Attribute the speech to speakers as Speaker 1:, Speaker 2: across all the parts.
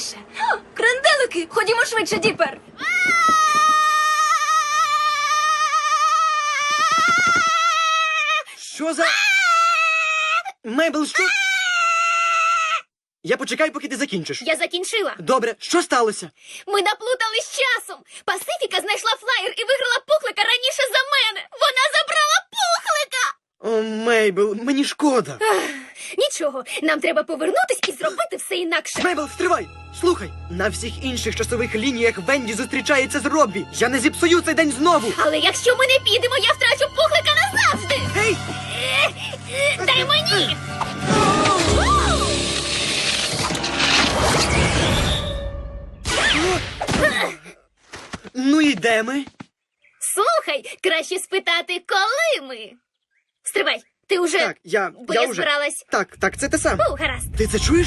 Speaker 1: повільніше. Кренделики, ходімо швидше, Діпер.
Speaker 2: Що за... Мейбл, що? Я почекаю, поки ти закінчиш.
Speaker 1: Я закінчила.
Speaker 2: Добре, що сталося?
Speaker 1: Ми наплутались з часом. Пасифіка знайшла флаєр і виграла Пухлика раніше за мене. Вона забрала Пухлика!
Speaker 2: О, Мейбл, мені шкода.
Speaker 1: Нічого, нам треба повернутись і зробити все інакше.
Speaker 2: Мейбл, стривай! Слухай, на всіх інших часових лініях Венді зустрічається з Роббі. Я не зіпсую цей день знову.
Speaker 1: Але якщо ми не підемо, я втрачу Пухлика назавжди.
Speaker 2: Гей!
Speaker 1: Дай мені!
Speaker 2: Ну і де ми?
Speaker 1: Слухай, краще спитати, коли ми. Стривай, ти уже...
Speaker 2: Так,
Speaker 1: Бо
Speaker 2: я
Speaker 1: я
Speaker 2: уже.
Speaker 1: збиралась...
Speaker 2: Так, це те сам.
Speaker 1: Гаразд.
Speaker 2: Ти це чуєш?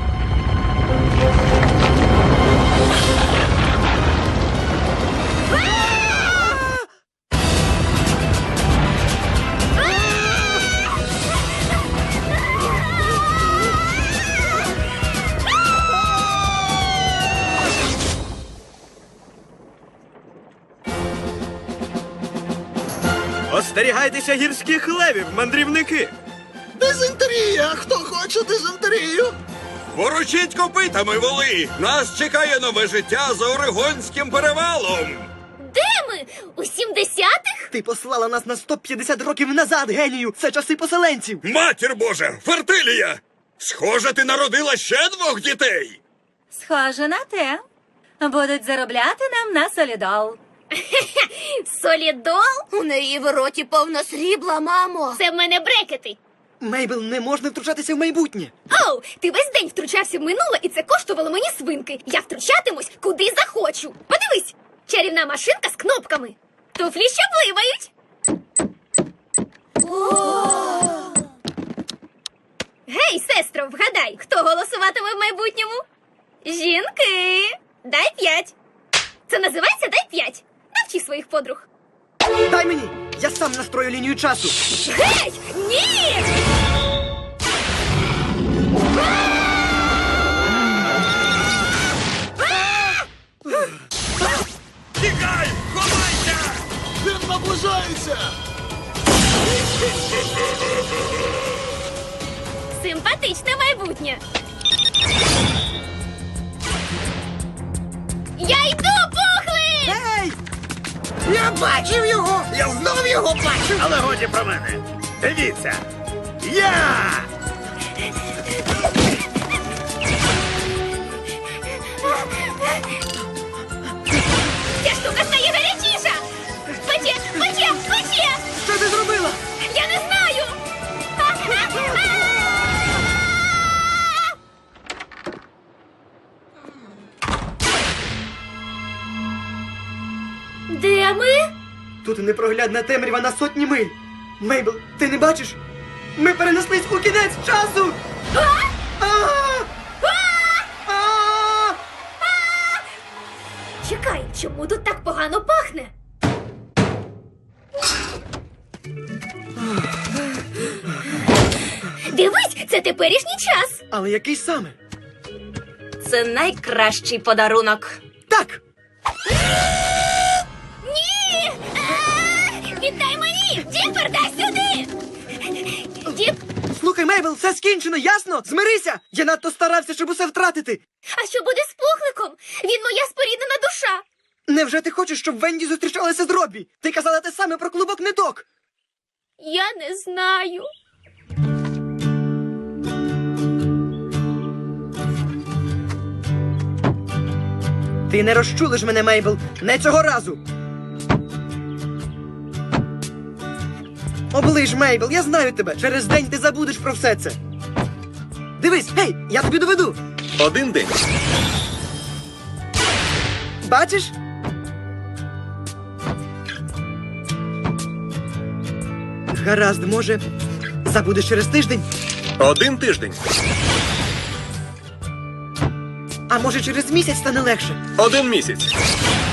Speaker 3: Остерігайтеся гірських левів, мандрівники!
Speaker 4: Дизентерія! Хто хоче дизентерію?
Speaker 3: Ворочіть копитами, воли! Нас чекає нове життя за Орегонським перевалом!
Speaker 1: Де ми? У 70-х?
Speaker 2: Ти послала нас на 150 років назад, генію! Це часи поселенців!
Speaker 3: Матір Божа! Фертилія! Схоже, ти народила ще 2 дітей!
Speaker 5: Схоже на те. Будуть заробляти нам на солідол.
Speaker 1: Солідол?
Speaker 6: У неї в роті повно срібла, мамо.
Speaker 1: Це в мене брекети.
Speaker 2: Мейбл, не можна втручатися в майбутнє.
Speaker 1: Оу, ти весь день втручався в минуле, і це коштувало мені свинки. Я втручатимусь, куди захочу. Подивись, чарівна машинка з кнопками. Туфлі що пливають. Гей, сестро, вгадай, хто голосуватиме в майбутньому? Жінки. Дай 5. Це називається «Дай 5». Навчи своїх подруг.
Speaker 2: Дай мені! Я сам настрою лінію часу.
Speaker 1: Гей! Ні!
Speaker 3: Тікай! Ховайся!
Speaker 4: Він наближається!
Speaker 1: Симпатичне майбутнє. Я йду, Пухли!
Speaker 2: Ей!
Speaker 4: Я бачив його! Я знов його бачив! Але годі про мене! Дивіться! Я!
Speaker 1: Ця штука стає гарячіша! Пече, пече, пече!
Speaker 2: Що ти зробила?
Speaker 1: Я не знаю! Де ми?
Speaker 2: Тут непроглядна темрява на сотні миль. Мейбл, ти не бачиш? Ми перенеслись у кінець часу! А!
Speaker 1: Чекай, чому тут так погано пахне? Дивись, це теперішній час.
Speaker 2: Але який саме?
Speaker 5: Це найкращий подарунок.
Speaker 2: Так!
Speaker 1: Ні! Віддай мені! Діпер, дай сюди! Діп,
Speaker 2: Слухай, Мейбл, все скінчено, ясно? Змирися! Я надто старався, щоб усе втратити.
Speaker 1: а що буде з Пухликом? Він моя споріднена душа.
Speaker 2: Невже ти хочеш, щоб Венді зустрічалася з Роббі? Ти казала те саме про клубок ниток.
Speaker 1: Я не знаю.
Speaker 2: Ти не розчулиш мене, Мейбл, не цього разу. Оближ, Мейбл, я знаю тебе. Через день ти забудеш про все це. Дивись, гей, я тобі доведу.
Speaker 3: 1 день.
Speaker 2: Бачиш? Гаразд, може, забудеш через тиждень?
Speaker 3: 1 тиждень.
Speaker 2: А може через місяць стане легше?
Speaker 3: 1 місяць.